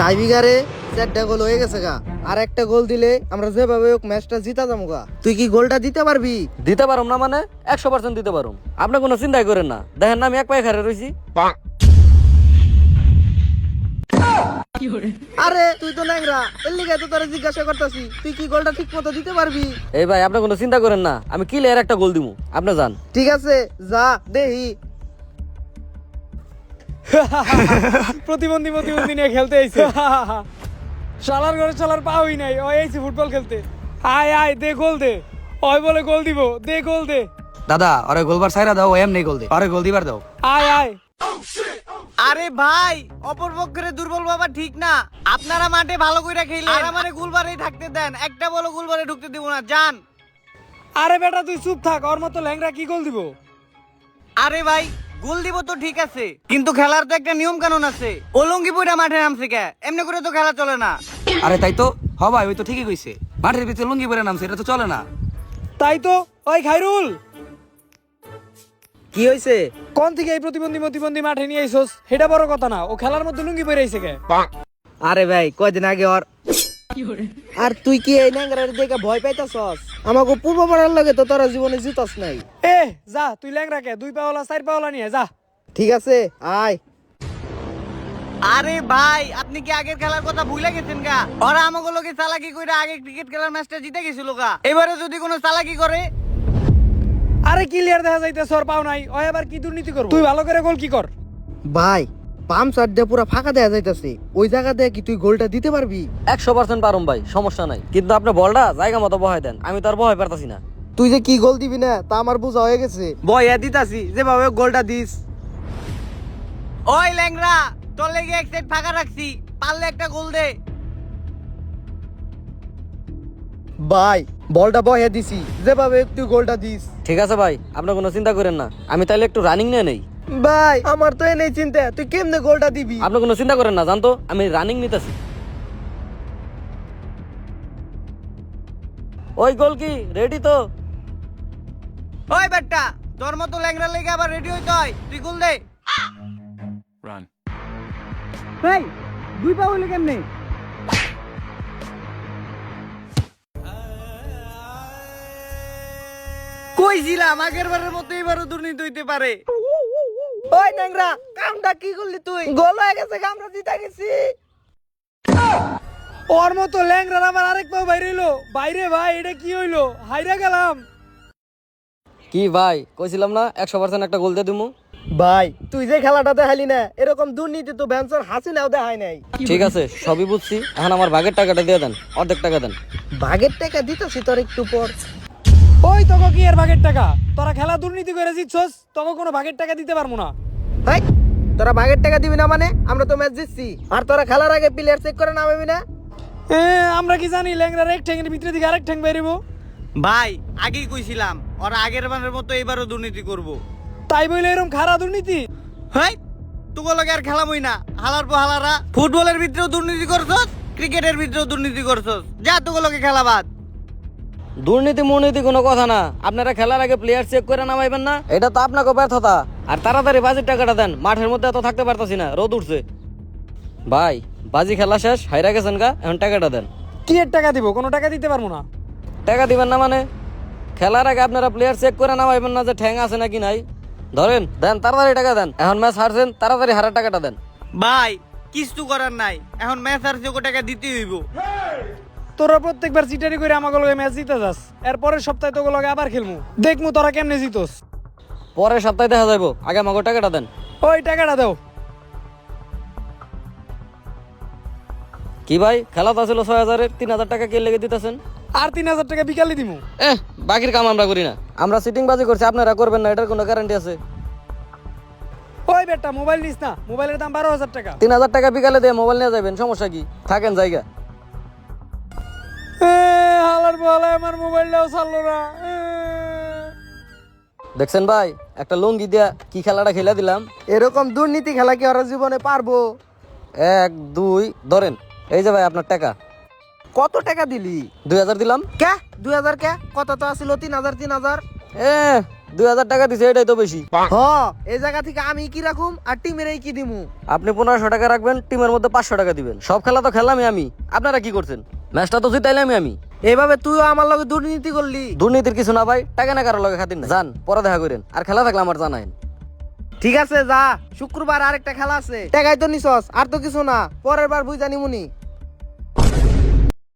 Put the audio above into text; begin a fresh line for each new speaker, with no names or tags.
টাইবিগারে 4টা গোল হয়ে গেছে গা। আর একটা গোল দিলে আমরা যেভাবে হোক ম্যাচটা জিতা যাবো গা। তুই কি গোলটা দিতে পারবি?
দিতে পারুম না মানে 100% দিতে পারুম। আপনি কোনো চিন্তাই করেন না, দেখেন না আমি এক পায়ে খারে রইছি।
আরে তুই তো ন্যাংরা, এর লিগে তো তোরা জিজ্ঞাসা করতেছি তুই কি গোলটা ঠিক মতো দিতে পারবি?
এই ভাই আপনি কোনো চিন্তা করেন না, আমি কিলের একটা গোল দিমু, আপনি যান।
ঠিক আছে যা দেহি।
প্রতিবন্ধী নিয়ে খেলতে আইছে। শালার ঘরে শালার পাওই নাই, ওই আইছে ফুটবল খেলতে। আয় আয় দে গোল দে, ওই বলে গোল দিব, দে গোল দে।
দাদা ওরে গোলবার সাইরা দাও, ও এমনি গোল দে, আরে গোল দিবার দাও।
আয় আয়।
আরে ভাই অপরপক্ষের দুর্বল বাবা ঠিক না, আপনারা মাঠে ভালো কইরা খেলেন আর আমারে গোলবারেই থাকতে দেন, একটা বলো গোলবারে ঢুকতে দিব না, যান।
আরে বেটা তুই চুপ থাক, ওর মতো ল্যাংরা কি গোল দিব?
আরে ভাই গোল দিব তো ঠিক আছে, কিন্তু খেলার তো একটা নিয়ম কানুন আছে। ওলঙ্গি পয়রা মাঠে নামছে কে, এমনি করে তো খেলা চলে না।
আরে তাই তো, হ ভাই ওই তো ঠিকই কইছে, মাঠের ভিতরে লুঙ্গি পরে নামছে, এটা তো চলে না।
তাই তো। ওই খাইরুল,
কি হয়েছে?
কোন থেকে এই প্রতিবন্ধী মাঠে নিয়ে আইছস? সেটা বড় কথা না, ও খেলার মধ্যে লুঙ্গি পরে আইছে কে?
আরে ভাই কয়দিন আগে ওর। আর তুই কি এই ন্যাংরার দেখে ভয় পাইতাছস? আমাকে পূর্ব পাড়ার লাগে তো তোরা জীবনে জিতস নাই।
এ যা তুই ল্যাংরা কে, 2 পাওলা 4 পাওলা নিয়ে যা।
ঠিক আছে আয়।
আরে ভাই আপনি কি আগের খেলার কথা ভুলে গেছেন গা? ওরা আমাকে লোকে চালাকি কইরা আগে ক্রিকেট খেলার ম্যাচটা জিতে গেছিল গা, এবারে যদি কোনো চালাকি করে।
আরে ক্লিয়ার দেখা যাইতেছ ওর পাও নাই, ওই আবার কি দুর্নীতি করব? তুই ভালো করে গোল কি কর।
ভাই পাম্প সার দিয়ে পুরো ফাঁকা দেয়া যাইতাছে, ওই জায়গা দিয়ে কি তুই গোলটা দিতে পারবি?
100% পারুম ভাই, সমস্যা নাই, কিন্তু আপনি বলটা জায়গা মতো বহাই দেন, আমি তো আর বহাই পারতাছি না।
তুই যে কি গোল দিবি না তা আমার বোঝা হয়ে গেছে। বয়া দিতাছি যেভাবে গোলটা দিস।
ওই ল্যাংরা তোর লেগে এক সাইড ফাঁকা রাখছি, পারলে একটা গোল দে।
ভাই বলটা বয়া দিছি, যেভাবে একটু গোলটা দিস।
ঠিক আছে ভাই, আপনি কোনো চিন্তা করেন না, আমি তাইলে একটু রানিং নিয়ে নেই।
ভাই আমার তো এনেই চিন্তা, তুই কেমনে গোলটা দিবি?
আপনি কোনো চিন্তা করেন না, জানতো আমি রানিং নিতেছি। ওই গোল কি রেডি তো?
ওই বেটা তোর মতো ল্যাংরা লেগে আবার রেডি হইতে হয়, তুই গোল দে।
ভাই 2 পা হইলো কেমনে?
কইছিলাম আগের বারের মতো এবারও দুর্নীতি হইতে পারে।
ওই ন্যাংরা কামটা কি করলি তুই? গোল হয়ে গেছে, আমরা জিতে গেছি।
ওর মতো ল্যাংরার আমার আরেক পাও বাইরে হইলো। বাইরে ভাই এটা কি হইলো? হাইরা গেলাম।
কি ভাই কইছিলাম না 100% একটা গোল দিয়ে দিমু।
ভাই তুই যে খেলাটা দেখালি না, এরকম দুর্নীতি তো ভ্যানসার হাসিনাও দেখায় নাই।
ঠিক আছে সবই বুঝছি, এখন আমার ভাগের টাকাটা দিয়ে দেন, অর্ধেক টাকা দেন।
ভাগের টাকা দিতেছি তোর একটু পর।
ওই তোকে কি এর ভাগের টাকা? তোরা খেলা দুর্নীতি করে জিতছস, তোকে কোনো ভাগের টাকা দিতে পারবো না।
ভাই তোরা ভাগের টাকা দিবি না মানে? আমরা তো ম্যাচ জিতছি, আর তোরা খেলার আগে প্লেয়ার চেক করে নামাবি না?
আমরা কি জানি ল্যাংরার এক ঠ্যাঙের ভিতরে দিকে আরেক ঠ্যাং বেরিবো?
ভাই আগেই কইছিলাম ওরা আগের বারের মতো এবারও দুর্নীতি করব।
তাই বইলে এরকম খারাপ দুর্নীতি?
হাই তোকে লগে আর খেলামই না, হালার পর হালারা। ফুটবলের ভিতরেও দুর্নীতি করছস, ক্রিকেটের ভিতরেও দুর্নীতি করছস, যা তোকে লগে খেলা বাদ।
দুর্নীতি মুর্নীতি কোনো কথা না, আপনারা খেলার আগে প্লেয়ার চেক করে নামাইবেন না, এটা তো আপনাকে ব্যর্থতা। আর তাড়াতাড়ি বাজির টাকাটা দেন, মাঠের মধ্যে এত থাকতে পারতাছি না, রোদ উঠছে। ভাই বাজি খেলা শেষ, হাইরা গেছেন গা, এখন টাকাটা দেন।
কি এর টাকা দিব? কোনো টাকা দিতে পারবো না।
টাকা দিবেন না মানে? খেলার আগে আপনারা প্লেয়ার চেক করে নামাইবেন না যে ঠ্যাং আছে নাকি নাই? ধরেন দেন, তাড়াতাড়ি টাকা দেন, এখন ম্যাচ হারছেন, তাড়াতাড়ি হারার টাকাটা দেন।
ভাই কিছু করার নাই, এখন ম্যাচ আর যোগ্য টাকা দিতে হইব।
তোরা প্রত্যেকবার চিটারি করে আমাকে লগে ম্যাচ জিতে যাস, এর পরের সপ্তাহে তোকে লগে আবার খেলমু, দেখমু তোরা কেমনে জিতস।
পরের সপ্তাহে দেখা যাবো, আগে আমাকে টাকাটা দেন।
ওই টাকাটা দাও।
কি ভাই খেলা তো ছিল 6,000-এর, 3,000 টাকা কে লেগে দিতেছেন?
আর 3,000 টাকা বিকালে দিমু।
বাকির কাম আমরা করি না, আমরা সিটিং বাজি করছি, আপনারা করবেন না, এটার কোনো গ্যারান্টি আছে?
ওই বেটা মোবাইল নিস না, মোবাইলের দাম 12,000 টাকা।
3,000 টাকা বিকালে দিয়ে মোবাইল নিয়ে যাবেন, সমস্যা কি? থাকেন জায়গা।
হালার বলে আমার মোবাইলটাও ছাড়লো না।
দেখছেন ভাই একটা লুঙ্গি দিয়া কি খেলাটা খেলা দিলাম।
এরকম দুর্নীতি খেলা কি ওরা জীবনে পারবো?
1 2 ধরেন, এই যে ভাই আপনার টাকা।
কত টাকা দিলি?
2,000 দিলাম।
কে 2000? কে কত তো আছিল? 3000 3000।
2000 টাকা দিছে এটাই তো বেশি।
হ এই জায়গা থেকে আমি কি রাখুম আর টিমের কি দিমু?
আপনি 1500 টাকা রাখবেন, টিমের মধ্যে 500 টাকা দিবেন। সব খেলা তো খেলামই আমি, আপনারা কি করছেন? ম্যাচটা তো জিতাইলামই আমি।
এইভাবে তুইও আমার লগে দুর্নীতি করলি।
দুর্নীতির কিছু না ভাই, টাকা না কারো লগে খাতির না। যান পরে দেখা করেন, আর খেলা থাকলে আমার জানাইন।
ঠিক আছে যা, শুক্রবার আরেকটা খেলা আছে। টাকাই তো নিছস, আর তো কিছু না, পরের বার বুঝ জানিমুনি।